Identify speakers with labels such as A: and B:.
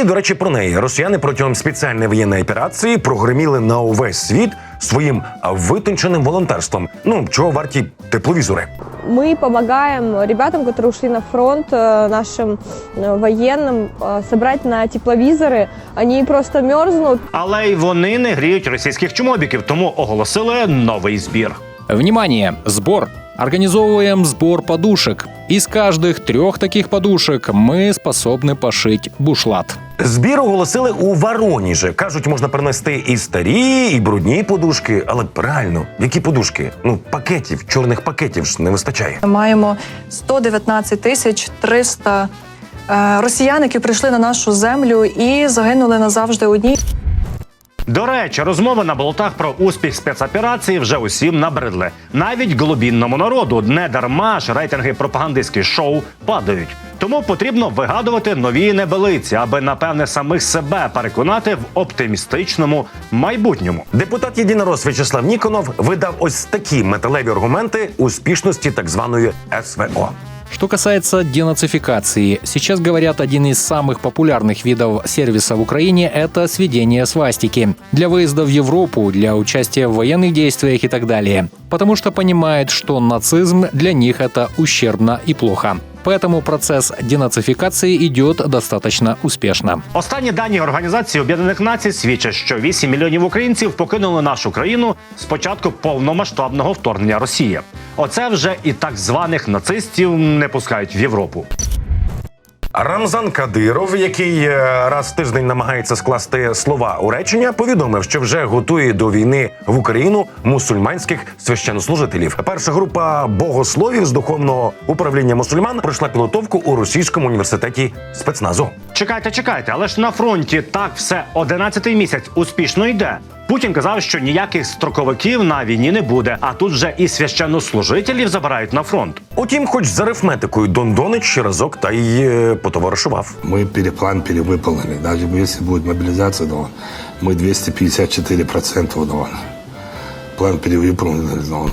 A: І, до речі, про неї. Росіяни протягом спеціальної воєнної операції прогреміли на увесь світ своїм витонченим волонтерством. Ну, чого варті тепловізори.
B: Мы помогаем ребятам, которые ушли на фронт, нашим военным, собрать на тепловизоры. Они просто мерзнут.
C: Але й вони не гріють російських чмобіків, тому оголосили новий збір.
D: Внимание! Сбор! Организовываем сбор подушек. Из каждых 3 таких подушек мы способны пошить бушлат.
A: Збір оголосили у Воронежі. Кажуть, можна принести і старі, і брудні подушки. Але реально, які подушки? Ну, пакетів, чорних пакетів ж не вистачає.
E: Маємо 119 тисяч 300 росіян, які прийшли на нашу землю і загинули назавжди у ній.
C: До речі, розмови на болотах про успіх спецоперації вже усім набридли. Навіть глибинному народу. Не дарма ж рейтинги пропагандистських шоу падають. Тому потрібно вигадувати нові небелиці, аби, напевне, самих себе переконати в оптимістичному майбутньому.
A: Депутат Єдинорос В'ячеслав Ніконов видав ось такі металеві аргументи успішності так званої СВО.
D: Что касается денацификации, сейчас говорят, один из самых популярных видов сервиса в Украине – это сведение свастики. Для выезда в Европу, для участия в военных действиях и так далее. Потому что понимают, что нацизм для них – это ущербно и плохо. Поэтому процесс денацификации идет достаточно успешно.
C: Останні дані Організації Об'єднаних Націй свідчать, що 8 мільйонів українців покинули нашу країну з початку повномасштабного вторгнення Росії. Оце вже і так званих нацистів не пускають в Європу.
A: Рамзан Кадиров, який раз в тиждень намагається скласти слова у речення, повідомив, що вже готує до війни в Україну мусульманських священнослужителів. Перша група богословів з духовного управління мусульман пройшла підготовку у Російському університеті спецназу.
C: Чекайте, але ж на фронті так все 11-й місяць успішно йде. Путін казав, що ніяких строковиків на війні не буде, а тут вже і священнослужителів забирають на фронт.
A: Утім, хоч з арифметикою Дон Донич разок та й потоваришував.
F: Мы план перевыполнили. Даже если будет мобилизация, то мы 254% удовольны. План перевыполнен.